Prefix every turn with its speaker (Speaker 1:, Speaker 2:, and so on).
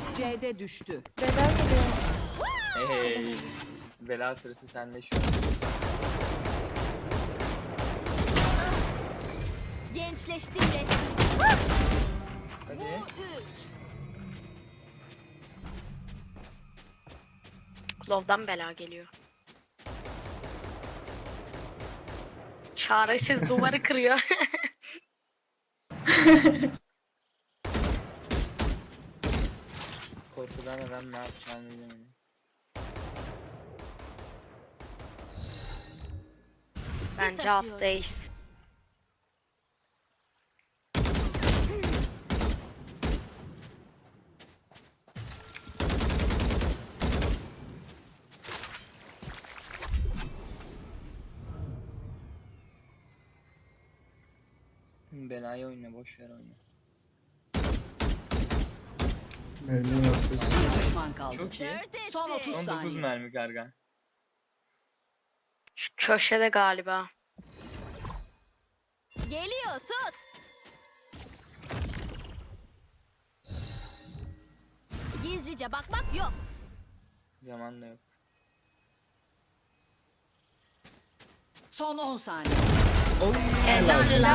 Speaker 1: C'de düştü.
Speaker 2: Bela geliyor.
Speaker 3: Hey. Bela sırası sende şu an.
Speaker 4: Gençleştim resmen.
Speaker 3: Hadi.
Speaker 4: 3.
Speaker 5: Klov'dan bela geliyor. Çaresiz duvarı kırıyor.
Speaker 3: Korkudan adam ne yapacağını bilemedi.
Speaker 5: Bence alttayız.
Speaker 3: Belayı oyna, boş ver oyna.
Speaker 6: Mermi yapıyorsun.
Speaker 1: Bir düşman kaldı.
Speaker 3: Çok iyi.
Speaker 1: Son 30
Speaker 3: 19
Speaker 1: saniye.
Speaker 3: mermi Gargan.
Speaker 5: Şu köşede galiba.
Speaker 4: Geliyor tut. Gizlice bakmak yok.
Speaker 3: Zaman da yok.
Speaker 1: Son 10 saniye.
Speaker 5: Helal.